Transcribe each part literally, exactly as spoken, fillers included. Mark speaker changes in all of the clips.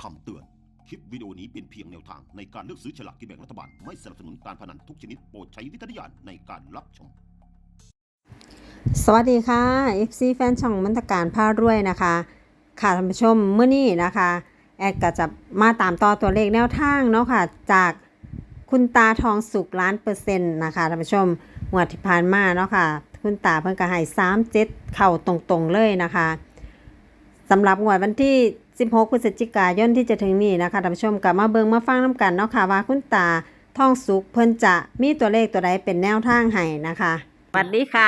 Speaker 1: คำเตือนคลิปวิดีโอนี้เป็นเพียงแนวทางในการเลือกซื้อฉลากกินแบ่งรัฐบาลไม่สนับสนุนการพนันทุกชนิดโปรดใช้วิจารณญาณในการรับชม
Speaker 2: สวัสดีค่ะ เอฟ ซี แฟนช่องมนตการพารวยนะคะค่ะท่านผู้ชมเมื่อนี้นะคะแอดก็จะมาตามต่อตัวเลขแนวทางเนาะค่ะจากคุณตาทองสุกล้านเปอร์เซ็นต์นะคะท่านผู้ชมงวดที่ผ่านมาเนาะค่ะคุณตาเพิ่นก็ให้สามเจ็ดเข่าตรงๆเลยนะคะสำหรับงวดวันที่สิบหกพฤศจิกายนที่จะถึงนี้นะคะท่านผู้ชมกลับมาเบิ่งมาฟังน้ำกันเนาะค่ะว่าคุณตาทองสุกเพิ่นจะมีตัวเลขตัวใดเป็นแนวทางให้นะคะสวัสดีค่ะ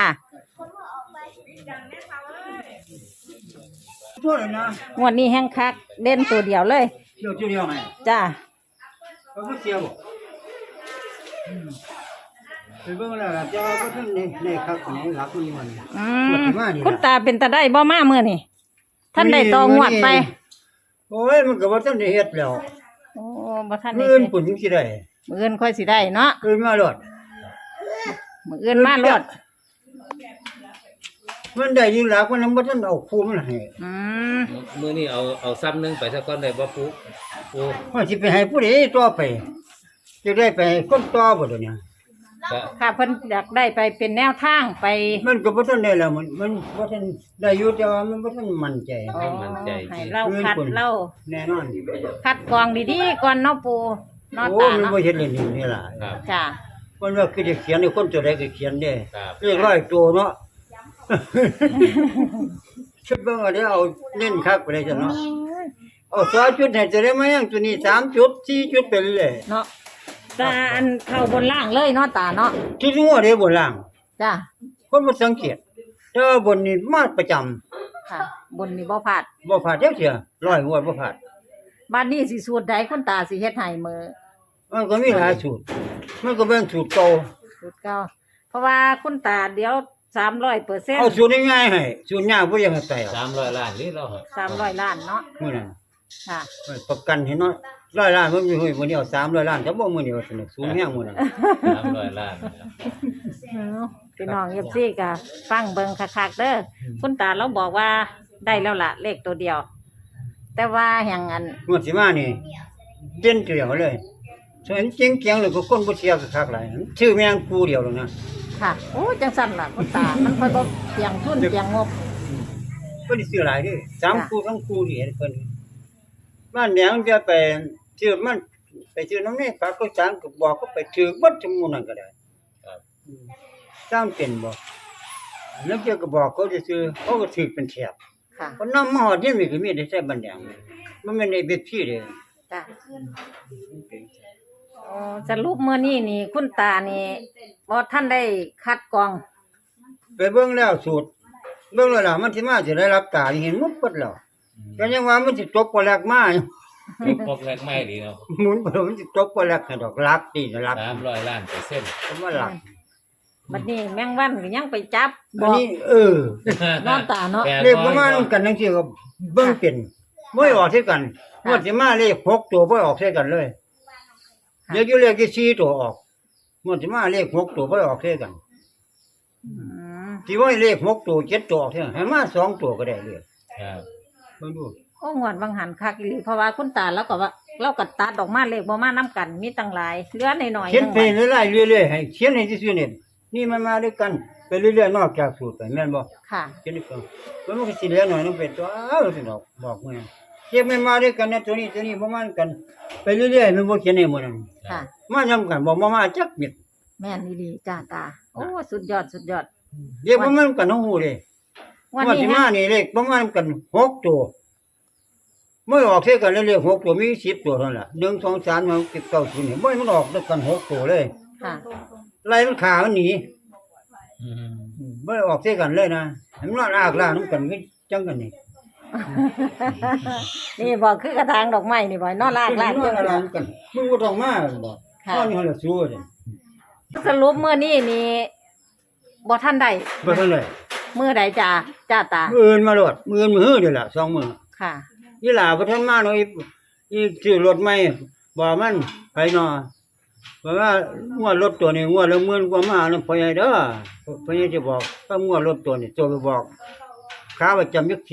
Speaker 2: งวดนี้แห้งคักเด่นตัวเดียวเลย
Speaker 3: เดียวเดียวไง
Speaker 2: จ้า
Speaker 3: เขาก็เสียบ่ไปเบิ่งแล้วล่ะจะว่าก็ในในคักของหลักนี่มัน
Speaker 2: อืมคุณตาเป็นตาได้บ่มาเมื่อนี่ท่านได้ตองวดไป
Speaker 3: โอ้ยมันก็บ่ทันได้เฮ็ดแล้ว
Speaker 2: โอ้บ่ทันได้
Speaker 3: มื้ออื่นปุ่นจังสิได้
Speaker 2: มื้ออื่นค่อยสิได้เนาะ
Speaker 3: มื้ออื่นมาโลด
Speaker 2: มื้ออื่นมาโลด
Speaker 3: มันได้ยิ่งหลักมันบ่ทันเอาคู่มันให้
Speaker 2: อืม
Speaker 4: มื้อนี้เอาเอาซ้ำนึงไปซะก่อนได้บ่ปุ๊ปุ๊
Speaker 3: ว่าสิไปให้ผู้ใดต่อไปจะได้ไปให้คนต่อบ่เดี๋ยวนี้
Speaker 2: ค่ะเพิ่นอยากได้ไปเป็นแนวทางไป
Speaker 3: มันก็บ่ทันได้แล้วมันมันบ่ทันได้อยู่แต่ว่ามันบ่ทันมั่นใจ
Speaker 4: มั่นใจ
Speaker 2: ให้เราคัดเรา
Speaker 3: แน่นอน
Speaker 2: คัดกรองดีๆก่อนเนาะปู่เนาะ
Speaker 3: ตาเนาะโอ้มันบ่เฮ็ดเล่นนี่ล่ะ
Speaker 2: จ้ะ
Speaker 3: มันว่าคือจะเขียนให้คนตัวใดก็เขียนได้เรียกร้อยตัวเนาะชุดเบิ่งเอาเดี๋ยวเอาเน้นคักไปเลยจ้ะเนาะเอาสองจุดให้จะได้มายังตัวนี้สามจุดสี่จุดเป็นเลย
Speaker 2: เนาะตาอันเข้าบนล่างเลยเนาะตาเนาะ
Speaker 3: ที่งัวเด้บนล่าง
Speaker 2: จ้ะ
Speaker 3: คนบ่สังเกตแต่ว่าบนนี่มาประจำ
Speaker 2: ค่ะบนนี่บ่พลาด
Speaker 3: บ่พลาดจักเที่ยร้อยงวดบ่พลาด
Speaker 2: บัดนี้สิสูตรใดคุณตาสิเฮ็ดให้มื้อ
Speaker 3: มันก็มีหลายสูตรมันก็เป็นสูตรเก่า
Speaker 2: สูตรเก่าเพราะว่าคุณตาเดี๋ยวสามร้อยเปอร์เซ็นต์
Speaker 3: เอาสูตรง่ายๆให้สูตรยากบ่อยากให้ใส่
Speaker 4: สามร้อยล้านนี่เรา
Speaker 2: สามร้อยล้านเนาะ
Speaker 3: มื้อนั้น
Speaker 2: ค่ะ
Speaker 3: ประกันให้เนาะร้อยล้านมันมีมื้อเดียวสามร้อยล้านแต่บ่มื้อเดียวสนุกสูงแฮงมื้อนั้น
Speaker 4: สามร้อยล้าน
Speaker 2: พี่น้อง เอฟ ซี ก็ฟังเบิ่งคักๆเด้อคุณตาเราบอกว่าได้แล้วล่ะเลขตัวเดียวแต่ว่าแห่งอัน
Speaker 3: งวดสิมานี่เด่นเดียวเลยส่วนจริงเกียงเลยก็คนบ่เสียคักหลายชื่อแม่งกูเดียวแล้วนะ
Speaker 2: ค่ะโอ้จังสั่นล่ะคุณตามันค่อยบ่เพียงทุนเพียงงบ
Speaker 3: บ่ได้ซื้อหลายเด้สามคู่ทั้งคู่นี่เพิ่นบ้านแหนงจะไปชื่อมันไปชื่อน้องนี่ฝากก็จางก็บอกก็ไปถือบัดชั่วโมงนั้นก็ได้ครับสร้างเป็นบ่แล้วเจ้าก็บอกเขาซื่อเขาก็ถือเป็นแถบค่ะคนนำมาฮอดนี่มีก็มีได้ใช้บ้านแหนงมันแม่นไอ้เบ็ดพี่เด้
Speaker 2: จ้ะอ๋อสรุปมื้อนี้นี่คุณตานี่บ่ทันได้คัดกรอง
Speaker 3: ไปเบิ่งแล้วสูตรเบิ่งแล้วล่ะมันสิมาสิได้รับตาเห็นหมดเบิดแล้วก็ยังว่ามันสิตกบ่แลกมา
Speaker 4: ตกปกแรกไม่ดีเนาะ
Speaker 3: หมุนบ่มันสิตกบ่แลกให้ดอกลักนี่ลัก
Speaker 4: สามร้อยล้านเปอร์เซ็นต์
Speaker 3: ว่าลัก
Speaker 2: บัดนี้แมงวันก็ยังไปจับ
Speaker 3: บ่นี่เออน
Speaker 2: อนตาเนาะ
Speaker 3: เลขประมาณกันจังซี่ก็เบิ่งเป็นบ่ออกใส่กันงวดสิมาเลขหกตัวบ่ออกใส่กันเลยเดี๋ยวอยู่เลขที่สี่ตัวออกงวดสิมาเลขหกตัวบ่ออกใส่กันอืมที่ว่าเลขหกตัวเจ็ดตัวออกใส่ให้มาสองตัวก็ได้เลยครับเบิ่งดู
Speaker 2: โอ้งวดบางหันคักอีหลีเพราะว่าคุณตาแล้วก็ว่าเราก็ตัดออกมาเลขบ่มานํกันมีตั้งหลายเหลือน้อยๆ
Speaker 3: เขียนไปเรื่อยๆเรื่อยๆให้เขียนให้ซื่อๆนี่นี่มันมาด้วยกันไปเรื่อยๆนอกจากสูตรไปแม่นบ่
Speaker 2: ค่ะ
Speaker 3: เขียนนี่ก็มันก็สิเหลือหน่อยนึงเป็นตัวอ้าวสิดอกบอกแม่เขียนไม่มาด้วยกันนะตัวนี้ตัวนี้บ่มากันไปเรื่อยๆมันบ่เขียนให้หมดนั่นค่ะมานํกันบ่มามาจักเม็ด
Speaker 2: แม่นอีหลีจ้าตาโอ้สุดยอดสุดยอด
Speaker 3: เรียกบ่มากันฮู้เด้วันนี้มานี่เลขบ่มากันหกตัวเมื่อออกเท่ากันแล้วเลขหกตัวมีสิบตัวเท่านั้นล่ะหนึ่ง สอง สาม สี่ ห้า เก้า สิบนี่บ่มันออกด้วยกันหกตัวเลยค่ะไล่มันขามันหนีอืมบ่ออกเท่ากันเลยนะมันนอนอากลานำกันคือจังกันนี่
Speaker 2: นี่บ่คือกระถางดอกไม้นี่บ่นอนลากลานจัง
Speaker 3: กันมึงบ่ต้องมาบ่ตอนนี้เฮาละสู้เด้
Speaker 2: สรุปมื้อนี้นี่บ่ทันได้
Speaker 3: บ่ทันได้
Speaker 2: มื้อใดจ้าจ้าตา
Speaker 3: มื้ออื่นมาโลดมื้ออื่นมื้อเด้อล่ะสองมื้อ
Speaker 2: ค่ะ
Speaker 3: อีหล่าบ่ทันมาเนาะอีอีซื้อรถใหม่บ่มันไปเนาะเพราะว่างวดรถตัวนี้งวดละหมื่นกว่ามานำพ่อใหญ่เด้อพ่อใหญ่จะบอกถ้างวดรถตัวนี้ตัวไปบอกค่าประจำอยู่สิบ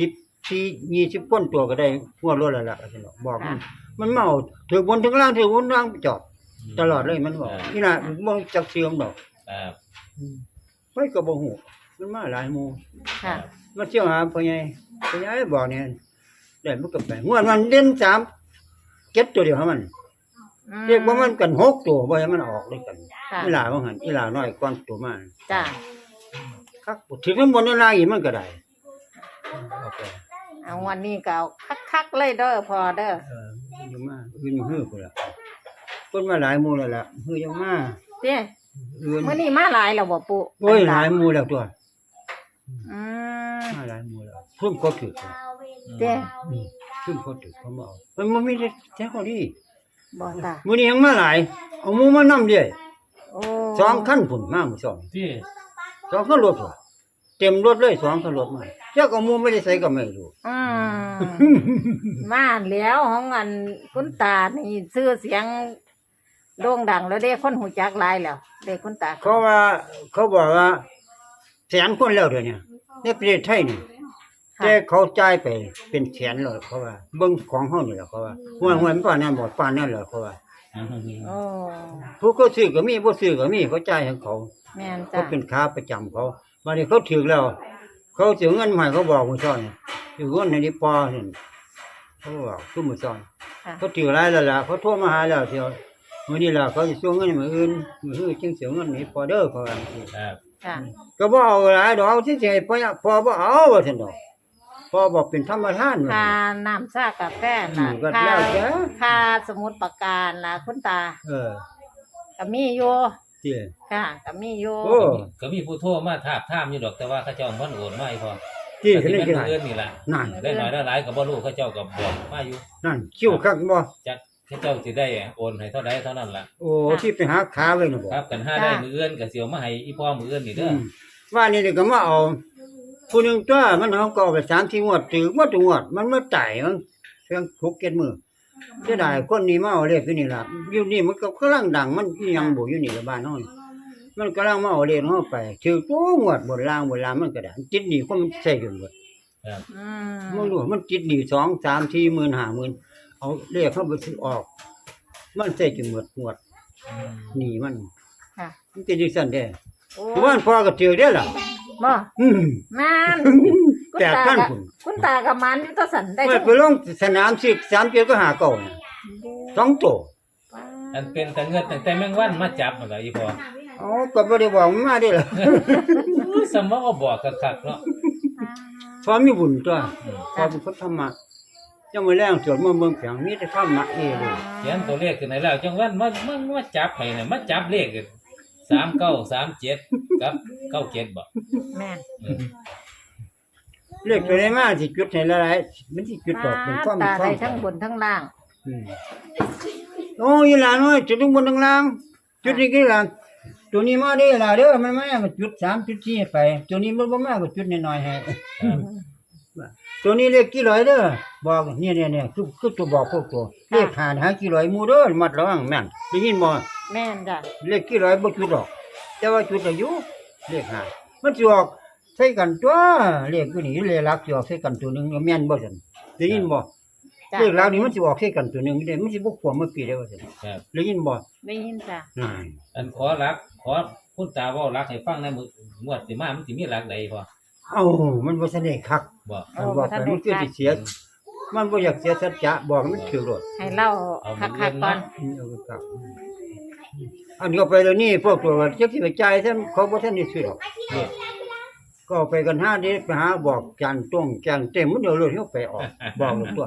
Speaker 3: สี่ยี่สิบคนตัวก็ได้หัวรถแล้วล่ะซั่นดอกบอกมันมันเมาถือบนถึงล่างถือบนล่างจอดตลอดเลยมันบอกนี่น่ะบ่จักเสื่อมดอก
Speaker 4: ครับ
Speaker 3: ไปก็บ่ฮู้มันมาหลายหมู่
Speaker 2: ค่ะ
Speaker 3: มาเที่ยวหาพ่อใหญ่พ่อใหญ่บอกเนี่ยได้มันก็ไปงวดมันเด่นสามเก็บตัวเดียวให้มัน
Speaker 2: อืม
Speaker 3: เรียกว่ามันกันหกตัวบ่ให้มันออกเลยกัน
Speaker 2: ค่ะ
Speaker 3: อีหลาว่าหั่นอีหลาน้อยก่อนตัวมา
Speaker 2: จ้ะ
Speaker 3: คักถึงมันบนล่างอีกมันก็ได้เอาไป
Speaker 2: เอาวันนี้ก็เอาคักๆเลยเด้อพอเด้อ
Speaker 3: เอออยู่มาอื่นมาฮื้อพุ่นล่ะคนมาหลายหมู่แล้วล่ะฮื้อยังมา
Speaker 2: เด้
Speaker 3: อื่น
Speaker 2: มื้อนี้มาหลายแล้วบ่ปู่
Speaker 3: โอ้ยหลายหมู่แล้วตัว
Speaker 2: อืม
Speaker 3: มาหลายหมู่แล้วซุ่มก็ถือ
Speaker 2: เด้
Speaker 3: ซุ่มก็ถือเขามาเอามันบ่มีแท้ข้อดี
Speaker 2: บ่ตา
Speaker 3: มื้อนี้ยังมาหลายเอาหมู่มานำเด้
Speaker 2: โอ้
Speaker 3: สองคันพุ่นมามื้อสอง
Speaker 4: ที่
Speaker 3: สองคันรถพุ่นเต็มรถเลยสองคันรถมาเจ้าก็หมู่ไม่ได้ใส่ก็ไม่รู้
Speaker 2: อืมมาแล้วของอันคุณตานี่ชื่อเสียงโด่งดังแล้วเด้คนหูจักหลายแล้วเด้คุณตา
Speaker 3: เขาว่าเขาบอกว่าแสนคนแล้วเดี๋ยวนี้ในประเทศไทยนี่
Speaker 2: ค่ะ
Speaker 3: แต่เขาจ่ายไปเป็นแสนเลยเขาว่าเบิ่งของเฮานี่แหละเขาว่าห้วยห้วยมันป่านนั้นบ่ป่านนั้นเหรอเขาว่า
Speaker 2: โอ้
Speaker 3: ผู้เขาซื้อก็มีบ่ซื้อก็มีเขาจ่ายให้เขา
Speaker 2: แม่น
Speaker 3: เขา
Speaker 2: จ้ะ
Speaker 3: เป็นค้าประจำเขาบัดนี้เขาถึกแล้ว เขาสิเอาเงินมาให้เขาบอกมื้อซ้อนสิเงินในนี้ปอนี่เขาบอกคือมื้อซ้อน
Speaker 2: ค่ะ
Speaker 3: เขาถือหลายแล้วล่ะเขาโทรมาหาแล้วเที่ยวมื้อนี้ล่ะเขาสิส่งเงินมื้ออื่นมื้ออื่นจึงสิเอาเงินนี้พอเด้อเขาว่า
Speaker 4: ครับ
Speaker 2: ค่ะ
Speaker 3: ก็บ่เอาหลายดอกที่สิให้พ่อพ่อบ่เอาว่าซั่นดอกพ่อบอกเป็นธรรมทานว่า
Speaker 2: ค่า
Speaker 3: ซั่น
Speaker 2: น้ำชากาแฟน่ะ
Speaker 3: อืมก็
Speaker 2: ค่า
Speaker 3: แล้วแต่
Speaker 2: ค่าสมุดประการน่ะคุณตา
Speaker 3: เออ
Speaker 2: ก็มีอยู่
Speaker 3: ที่
Speaker 2: ค่ะก็มีอยู่
Speaker 3: โอ้
Speaker 4: ก็มีผู้โทรมาถามถามอยู่ดอกแต่ว่าเขาเจ้าบ่โอนมาให้พอ
Speaker 3: ที่
Speaker 4: ก็
Speaker 3: คือ
Speaker 4: สิ
Speaker 3: นี่
Speaker 4: เป็น
Speaker 3: คือ
Speaker 4: ผู้อื่นนี่ล่ะ
Speaker 3: นั่น
Speaker 4: ได้หน่อยได้หลายก็บ่รู้เขาเจ้าก็บอกมาอยู่
Speaker 3: นั่นคิวคักบ่
Speaker 4: จักเขาเจ้าสิได้โอนให้เท่าใดเท่านั้นล่ะ
Speaker 3: โอ้ที่ไปหาขาไว้น่ะบ่
Speaker 4: ครับกันห้าได้มื้ออื่นก็สิเอามาให้อีพ่อมื้ออื่นนี่เด้อ
Speaker 3: มว่านี่เดี๋ยวก็มาเอาผู้หนึงตัวมันเอาก็เอาไปสามสี่งวดถือหมดทุกงวดมันมาจ่ายมันเพียงหกเจ็ดมื้อเสียดายคนนี้มาเอาเลขอยู่นี่ล่ะอยู่นี่มันก็กำลังดังมันอีหยังบ่อยู่นี่ละบ้านเฮานี่มันกำลังมาเอาเลขเฮาไปถือตัวงวดบนล่างบนล่างมันก็ได้จิตนี่คนมันใส่กันหมด
Speaker 4: ครับ
Speaker 2: อืม
Speaker 3: มันรู้ว่ามันจิตนี่สอง สาม สี่หมื่นห้าหมื่นเอาเลขเข้าไปซื้อออก มันใส่จนหมดงวดหนี่มัน
Speaker 2: ค่ะ
Speaker 3: มันเป็นจังซั่นเด้
Speaker 2: โอ้
Speaker 3: เพราะว่าพ่อก็ถือได้อล่ะ
Speaker 2: บ่
Speaker 3: อืม
Speaker 2: แม่น
Speaker 3: แปดพัน
Speaker 2: กับ
Speaker 3: พุ่น
Speaker 2: คุณตากับมันอยู่ตัวสันได้
Speaker 3: ไปไปลงสนามสิบสามเจ็ดก็หาเก่าน่ะสองตัว
Speaker 4: อันเป็นแต่เงินตั้งแต่แมงวันมาจับนั่นล่ะอีพ่อ
Speaker 3: อ๋อก็บ่ได้บอกมันมาได้อล่ะ
Speaker 4: สมองบอกคักๆเนาะ
Speaker 3: พอมีบุญตัวพอเป็นคนธรรมะจังมื้อแรงสวดมนต์เบิ่งเสียงมีแต่ธรรมะนี่เลย
Speaker 4: เขียนตัวเลขขึ้นให้แล้วจังวันมามามาจับให้น่ะมาจับเลขสามเก้า สามเจ็ดกับเก้าเจ็ดบ่
Speaker 2: แม่น
Speaker 4: อืม
Speaker 3: เลขตัวไหนมาสิจุดให้หลายๆมันสิจุดออกเป็นความ
Speaker 2: ตา
Speaker 3: ควา
Speaker 2: ได้
Speaker 3: ม
Speaker 2: ทั้งบนทั้งล่าง
Speaker 3: อืมโอ้ยหลานน้อยจุดทั้งบนทั้งล่าง จุดนี้กี่หลานตัวนี้มาได้ล่ะเด้อมันมามันจุดสามจุดสี่ไป ตัวนี้มันบ่มาก็จุดน้อยๆให้
Speaker 4: ครับ
Speaker 3: ตัวนี้เลขกี่ร้อยเด้อบอกเนี่ยๆๆคือคือตัวบอกพวกตัวเลขหาหากี่ร้อยหมู่เด้อมัดระวังแม่นได้ยินบ่
Speaker 2: แม่นจ้ะ
Speaker 3: เลขกี่ร้อยบ่จุดดอก แต่ว่าจุดอายุเลขหามันสิออกใส่กันตัวเลขตัวนี้เลขหลักสิออกใส่กันตัวหนึงแม่นบ่ซั่นได้ยินบ่
Speaker 2: จ้ะ
Speaker 3: เลขหลักนี่มันสิออกใส่กันตัวหนึงได้มันสิบ่ควรมาปีได้ว่าซั่น
Speaker 4: ครับ
Speaker 3: ได้ยินบ่
Speaker 2: ได้ยินจ้ะ
Speaker 3: นั่น
Speaker 4: อันขอรัก ขอคุณตาเว้ารักให้ฟังในมื้องวดสิมามันสิมีรักใดพอ
Speaker 3: เอ้ามันบ่ทันได้คัก
Speaker 4: บ่
Speaker 3: มันบอกไปมันคือสิเสีย มันบ่อยากเสียสัจจะบอกมันถือรถ
Speaker 2: ให้เล่าคักๆก่อน
Speaker 3: อืมเอาไปกลับอันนี้ก็ไปแล้วนี่พวกตัวจักสิไปจ่ายซะเขาบ่ทันได้ซื้อหรอกเนี่ยก็เอาไปกันห้าเด้ไปหาบอกจานต้งจานเต็มมันเดี๋ยวรถเขาไปออก บอกหมดตัว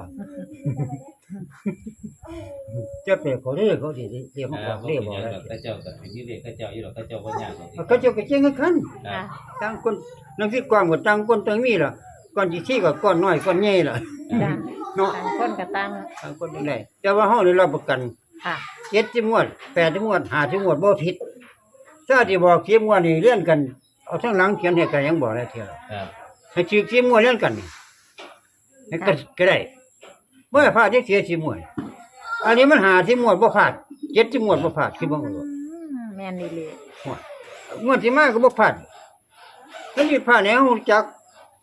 Speaker 3: จะไปเขาเด้อเขาสิเรียกมาบ
Speaker 4: อ่า
Speaker 3: อก
Speaker 4: บ่
Speaker 3: เรียก
Speaker 4: เป็น
Speaker 3: บอก
Speaker 4: หยัง
Speaker 3: อะไร
Speaker 4: ดอกเขาเจ้าก็เป็นที่เรียกเขาเจ้าอยู่ดอกเขาเจ้าบ่ยากหรอก
Speaker 3: เขาเจ้าก็เจ๊งกันคัน
Speaker 4: ครั
Speaker 2: ค่ะ
Speaker 4: บ
Speaker 3: ต่างคนนังสิกว้างก็ต่างคนต่างมีล่ะก่อนสิชี้ก็ก้อนน้อยก้อนใหญ่ล่ะ
Speaker 2: จ้ะ
Speaker 3: เนาะ
Speaker 2: ต่างคนกับต่าง
Speaker 3: ต่างคนจังไดแต่ว่าเฮาได้รับประกัน
Speaker 2: ค่ะ
Speaker 3: เจ็ดสิบงวดแปดสิบงวดห้าสิบงวดบ่ผิดถ้าที่บอกสิบงวดนี่เรียนกันเอาทั้งหลังเขียนให้กันยังบอกได้เที่ยว
Speaker 4: ครับ
Speaker 3: ให้ชื่อสิบงวดเรียนกันนี่ให้ก็ก็ได้บ่ให้พลาดจักเสียสิบงวดอันนี้มันห้าสิบงวดบ่พลาดเจ็ดสิบงวดบ่พลาดคือบ่รู้
Speaker 2: อืมแม่นดีเลย
Speaker 3: งวดที่มาก็บ่พลาดมันสิพลาดแนวรู้จักต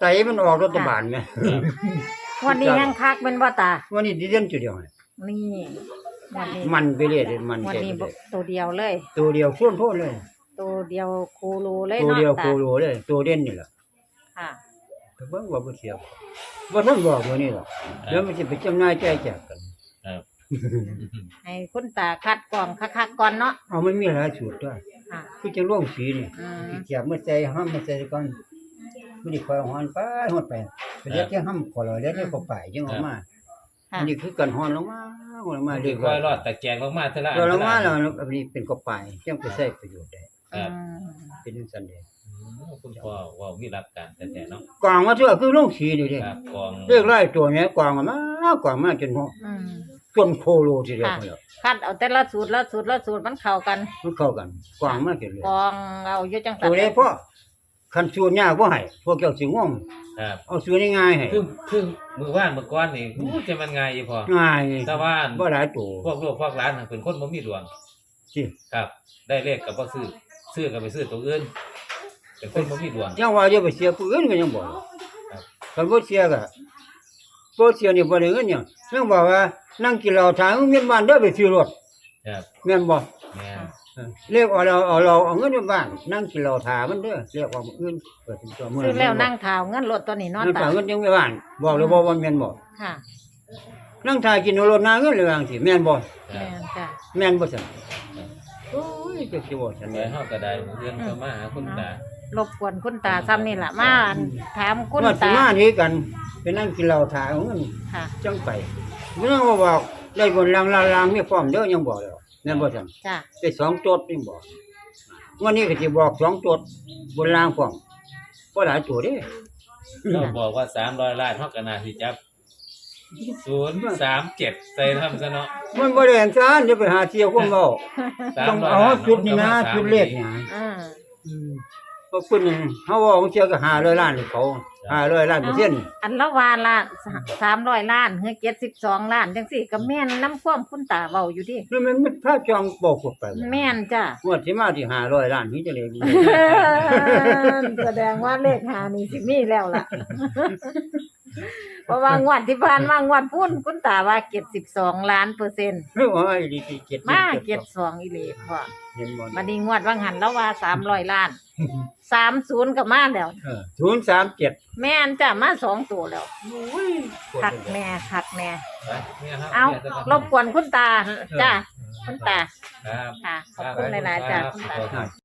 Speaker 3: ส่มันออกรัฐบาลแม่
Speaker 5: วันนี้ยังคักเป็นบ่ตา
Speaker 3: วันนี้ดิเด่นจุดเดียวให้
Speaker 5: นี่วันนี้
Speaker 3: มันไปเรื่อยเลยมัน
Speaker 5: วัน
Speaker 3: เต็ม
Speaker 5: นี้
Speaker 3: เลย
Speaker 5: ตัวเดียวเลย
Speaker 3: ตัวเดียวพ่นพ่นเลย
Speaker 5: ตัวเดียวโคโลเลย
Speaker 3: ตัว
Speaker 5: เนาะ
Speaker 3: เดียว
Speaker 5: ตา
Speaker 3: โคโลเลย ตัวเด่นนี่แหละ
Speaker 5: ค่ะ
Speaker 3: แต่เบิ่งว่าบ่เสียบ่ทันบอกตัวนี้หรอกเดี๋ยวมันสิไปจำหน่ายแจกแจกกัน
Speaker 4: ครับ
Speaker 5: ให้คุณตาคัดกรองคักๆก่อนเนาะ
Speaker 3: เอามันมีหลายสูตรด้วย
Speaker 5: ค่ะ
Speaker 3: คือจังร่วงสีนี่
Speaker 5: อืม
Speaker 3: สิเจียบมาใส่ห้ามมาใส่ก่อนบ่ได้คอยหอนไปหอนไปไปเรียกที่ห้ามขอเลยเรียกที่เข้าไปจังออกมา
Speaker 5: ค่ะ
Speaker 3: อันนี้คือกันหอนลงมาหอนลงมาเรียก
Speaker 4: ค่
Speaker 3: ว่า
Speaker 4: อยรอดตะแกรงลงมาเท่าไหร่
Speaker 3: เราลงมาแล้วอันนี้เป็นเข้าไปจังไปใช้ประโยชน์ได้
Speaker 4: ครับ
Speaker 5: อืม
Speaker 3: เป็นจังซั่นเด้
Speaker 4: อืมคุณพ่อเว่ามีหลักการแต่ๆเนาะ
Speaker 3: กวางมาเถอะคือร่วงสีนี่เด้
Speaker 4: ครับกอง
Speaker 3: เรียกไล่ตัวเนี้ยกวางมากวางมาจนหัว
Speaker 5: อืม
Speaker 3: จนโคโลทีเดียว
Speaker 5: ค่ะ
Speaker 3: พุ่นแล้ว
Speaker 5: คัดเอาแต่ละสูตรละสูตรละสูตรมันเข้ากัน
Speaker 3: มันเข้ากันกวางมากเกินเลย
Speaker 5: กรองเอาอยู่จังซั่
Speaker 3: ตั
Speaker 5: น
Speaker 3: วนี้พ่อคันสูนยากบ่ให้พวกเจ้าสิง่วง
Speaker 4: ครับ
Speaker 3: เอาสูนง่ายๆให้
Speaker 4: คือคือมือว่านมือก้อนนี่อู้จะมันง่ายอยู่พอ
Speaker 3: ง่าย
Speaker 4: แต่ว่า
Speaker 3: บ่หลายตัว
Speaker 4: พวกลูกพวกหลานน่ะเป็นคนบ่มีดวง
Speaker 3: สิ
Speaker 4: ครับ ได้เลขก็บ่ซื้อซื้อก็ไปซื้อตัวอื่นเป็นคนบ่มีดวง
Speaker 3: ยังว่าจะไปเสียผู้อื่นก็ยังบ่
Speaker 4: ครับ
Speaker 3: คันบ่เสียก็บ่เสียนี่บ่ได้เงินหยังยังบอกว่านั่งกินเหล้าทางเมียนบ้านเด้อไปซื้อรถ
Speaker 4: ครับ
Speaker 3: แม่นบ่
Speaker 4: แม่น
Speaker 3: เออเรียกเอาเราเอาเราเอาเงินไปบ้านนั่งกินเหล้าทามันเด้อเรียกว่าเงินเปิดเป็นตัวมื้
Speaker 5: ซื้อแล้วนั่งเท้าเงินรถตัวนี้เนาะ
Speaker 3: นั่ง
Speaker 5: ตา
Speaker 3: ทาเงินยังไปบ้านบอกเลยบ่ว่าแม่นบ่
Speaker 5: ค่ะ
Speaker 3: นั่งทากินรถนาเงินเลยว่าจังซี่แม่นบ่
Speaker 4: ครั
Speaker 5: แม่
Speaker 4: บ
Speaker 5: นจ้ะ
Speaker 3: แม่นบ่ซั่นโอ้ยจะสิบ่ซั่น
Speaker 4: ไป
Speaker 3: แหละ
Speaker 4: เฮาก็ได้เงินเข้ามาหาคุณตาร
Speaker 5: บกวนคุณตาซ้ำนี่ล่ะมาอันถามคุณ
Speaker 3: ว่าสิ
Speaker 5: ตา
Speaker 3: มานี้กันไปนั่งกินเหล้าทาเอาเงิน
Speaker 5: ค่ะ
Speaker 3: จังไปบ่ต้องมาบอกได้บนลางลางลางมีพร้อมเด้อยังบอกแล้วแม่นบ่ซั่น
Speaker 5: จ้ะ
Speaker 3: ได้สองโจทย์นี่บอกวันนี้ก็สิบอกสองโจทย์บนลางพร้อมบ่หลายตัวเด้
Speaker 4: เราบอกว่าสามร้อยล้านเฮาก็น่าสิจับศูนย์สามเจ็ดใส่ทำซะเนาะ
Speaker 3: มันบ่ได้อันซานเดี๋ยวไปหาเที่ยวคนเว้า ต้องเอาจุดนี้นะจุดเลขเนี่ย
Speaker 5: อืม
Speaker 3: อืมก็คุณนี่เฮาเว้าเที่ยวก็ห้าร้อยล้านให้เขาห้าร้อยล้านเปอร์เซ็นต์
Speaker 5: อันละวาละสามร้อยล้านเฮือเจ็ดสิบสองล้านจังสี่ก็แม่นน้ำความคุณตาเว้าอยู่ดิ
Speaker 3: แล้วมันมันพาจองบอกพวกไป
Speaker 5: แม่นจ้ะ
Speaker 3: งวดสิมาที่ห้าร้อยล้านนี่จะเลย
Speaker 5: แสดงว่าเลขหานี่สิมีแล้วล่ะ เพราะว่างวดที่ผ่านมางวดพุ่นคุณตาว่าเจ็ดสิบสองล้านเปอร์เซ็นต์
Speaker 3: เฮ้ยว่าไอ้ดีที่เจ็ด
Speaker 5: มาเจ็ดสองอีหลีพ่อ
Speaker 3: เห็นบ่
Speaker 5: บัดนี้งวดว่างหันแล้วว่าสามร้อยล้านสามศูนย์ก็มาแล้ว
Speaker 3: เออศูนย์สามเจ็ด
Speaker 5: แม่นจ้ะมาสองตัวแล้ว
Speaker 3: โอ้ย
Speaker 5: คักแม่คักแม่
Speaker 4: ไปเนี่ยครับ
Speaker 5: เอา
Speaker 4: นี่ยซะก่น
Speaker 5: รบกวนคุณตาจ้ะคุณตา
Speaker 4: ครับ
Speaker 5: ค่ะ ขอบคุณหลายๆจ้ะคุณตา
Speaker 4: ครับ